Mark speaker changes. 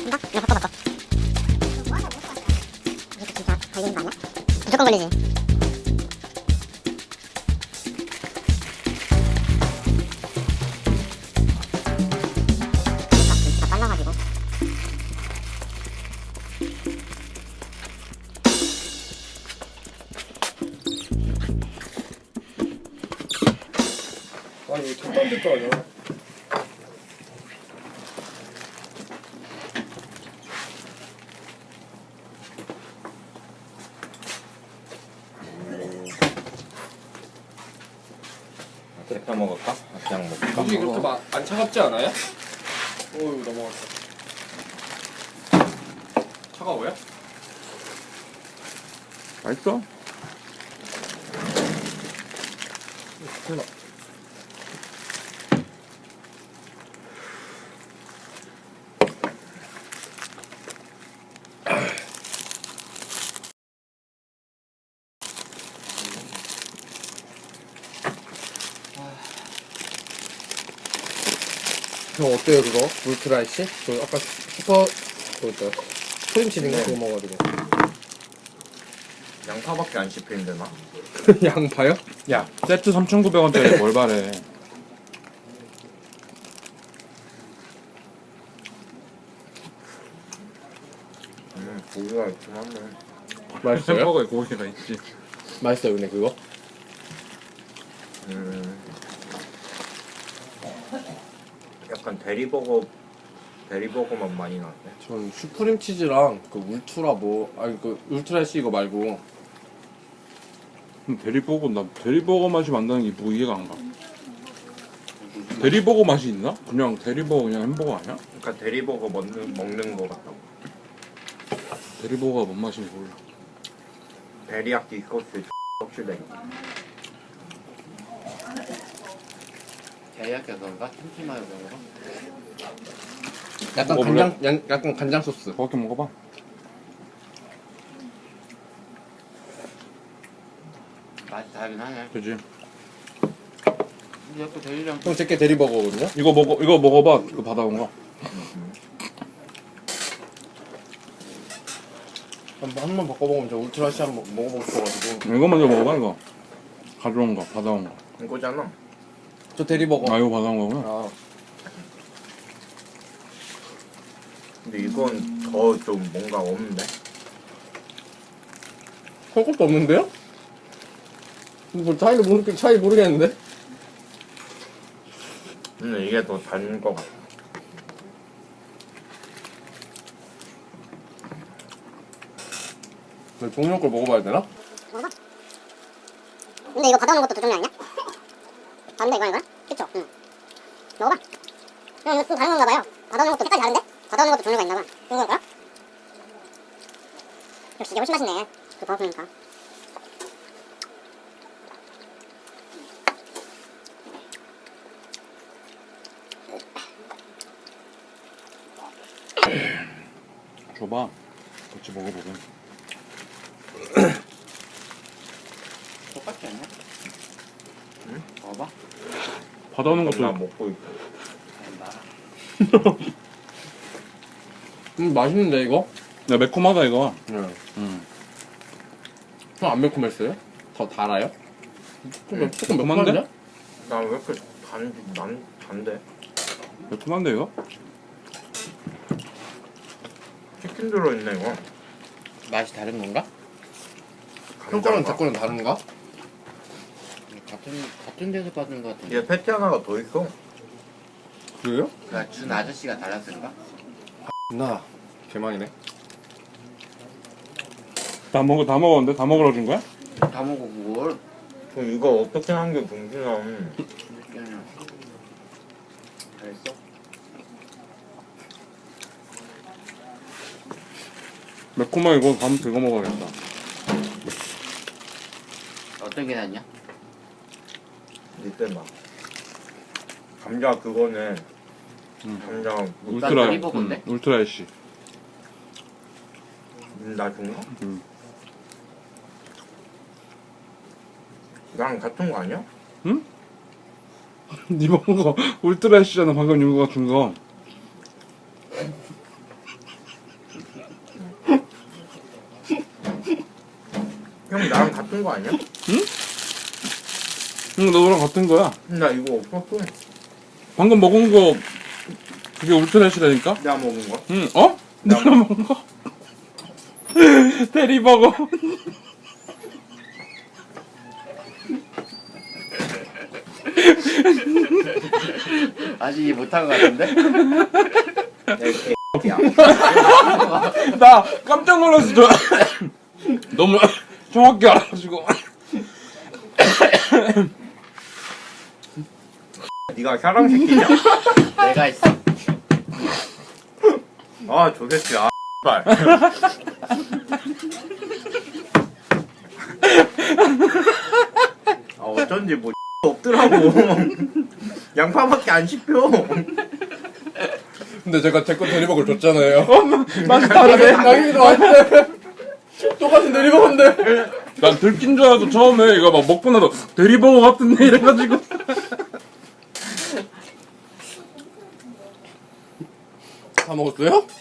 Speaker 1: 이거 바꿔. 이거 진짜 걸리는 거 아니야? 무조건 걸리지. 진짜 빨라가지고.
Speaker 2: 아니 이거 쳤다 될거 아니야?
Speaker 3: 끓여 먹을까? 그냥 먹을까?
Speaker 2: 이게 그렇게 안 차갑지 않아요? 어우 넘어갔어. 차가워요?
Speaker 4: 맛있어?
Speaker 2: 콜라. 형 어때요 그거? 울트라이시? 그 아까 슈퍼 그거죠? 크림치즈인가 그거 먹어가지고.
Speaker 3: 양파밖에 안 씹히는데 나?
Speaker 2: 양파요?
Speaker 4: 야 세트 3,900원짜리 뭘 바래.
Speaker 3: 고기가 있긴 한데.
Speaker 2: 맛있어요?
Speaker 4: 햄버거에 고기가 있지.
Speaker 2: 맛있어요 근데 그거?
Speaker 3: 약간 대리버거 맛 많이 나는데.
Speaker 2: 전 슈프림 치즈랑 그 울트라 그 울트라이시 이거 말고
Speaker 4: 나 대리버거 맛이 만드는 게 뭐 이해가 안 가. 대리버거 맛이 있나? 그냥 대리버거 그냥 햄버거 아니야?
Speaker 3: 그러니까 대리버거 먹는 거 같다고.
Speaker 4: 대리버거가 뭔 맛인지 몰라.
Speaker 3: 데리야끼 소스 확실해.
Speaker 5: 대야끼가 그런가? kimchi마요 그런가?
Speaker 2: 약간
Speaker 4: 먹어볼래?
Speaker 2: 약간 간장 소스.
Speaker 4: 그렇게 먹어봐.
Speaker 5: 맛이 다르긴 하네.
Speaker 4: 그지?
Speaker 5: 근데 약간 대리랑
Speaker 2: 형 제게 대리버거거든요?
Speaker 4: 이거 먹어봐. 이거 받아온 거.
Speaker 2: 한번 바꿔먹으면 저 울트라이시 한번 먹어보고 싶어가지고.
Speaker 4: 이거 먼저 먹어봐. 이거 가져온 거 받아온 거.
Speaker 3: 이거잖아.
Speaker 2: 저 대리버거.
Speaker 4: 아 이거 받아온 거구나.
Speaker 2: 아,
Speaker 3: 근데 이건 더 좀 뭔가 없는데.
Speaker 2: 할 것도 없는데요? 뭐 차이 모르겠는데?
Speaker 3: 근데 이게 더 단 거 같아.
Speaker 2: 종류 걸 먹어봐야 되나?
Speaker 1: 먹어봐. 근데 이거 받아오는 것도 두 종류 아니야? 다른데 이거랑? 그쵸? 응. 먹어봐. 이거 좀 다른 건가 봐요. 받아오는 것도 색깔이 다른데? 받아오는 것도 종류가 있나 봐. 그런 거야? 역시 이게 훨씬 맛있네. 그 버거니까.
Speaker 4: 줘봐. 같이 먹어보게.
Speaker 5: 똑같지 않냐? 응? 먹어봐.
Speaker 4: 받아오는
Speaker 3: 나
Speaker 4: 것도
Speaker 3: 먹고 있어.
Speaker 5: 나
Speaker 2: 맛있는데 이거?
Speaker 4: 야 매콤하다 이거.
Speaker 2: 네.
Speaker 4: 음.
Speaker 2: 형 안 매콤했어요? 더 달아요? 조금
Speaker 4: 매콤한데?
Speaker 2: 매콤한데?
Speaker 3: 나 왜 이렇게 난 단데?
Speaker 4: 매콤한데 이거?
Speaker 3: 치킨 들어있네 이거.
Speaker 5: 맛이 다른 건가?
Speaker 2: 형 거랑 제 거랑 다른가?
Speaker 5: 같은 데서 받은 것 같은데.
Speaker 3: 얘 패티 하나가 더 있어.
Speaker 2: 그래요?
Speaker 5: 그러니까 준 아저씨가 달랐을까?
Speaker 2: 나 개망이네.
Speaker 4: 다 먹었는데 다 먹으러 준 거야?
Speaker 5: 다 먹어 그걸.
Speaker 3: 그럼 이거 어떻게 한 게 병신아.
Speaker 5: 그냥 잘했어?
Speaker 4: 매콤한 이거 다음 이거 먹어야겠다.
Speaker 5: 어떤 게 낫냐?
Speaker 3: 이때 막 감자 그거는 감자
Speaker 4: 울트라
Speaker 5: 대리버거인데?
Speaker 4: 울트라 애쉬.
Speaker 3: 나 준가?
Speaker 4: 음.
Speaker 3: 나랑 같은 거 아니야?
Speaker 4: 응? 니 먹은 거 울트라 애쉬잖아. 방금 윤거가 준 거.
Speaker 3: 형 나랑 같은 거 아니야?
Speaker 4: 응, 너랑 같은 거야.
Speaker 3: 나 이거 없었어.
Speaker 4: 방금 먹은 거 그게 울트라시라니까?
Speaker 3: 내가 먹은 거.
Speaker 4: 응, 어? 내가 먹은 거? 대리버거.
Speaker 5: 아직 이 못한 것 같은데?
Speaker 3: 야,
Speaker 4: 나 깜짝 놀랐어. 너무 정확히 알아가지고.
Speaker 3: 네가 사람 새끼냐?
Speaker 5: 내가 있어.
Speaker 3: 아, 저 새끼 발. 아, 어쩐지 뭐 없더라고. 양파밖에 안 씹혀.
Speaker 2: 근데 제가 제 거 대리먹을 줬잖아요.
Speaker 4: 맛이 다르네.
Speaker 2: 나기도 왔는데 똑같은 대리먹인데.
Speaker 4: 난 들킨 줄 알고 처음에 이거 막 먹고 나서 대리버거 같은데 이래가지고.
Speaker 2: 다 먹었어요?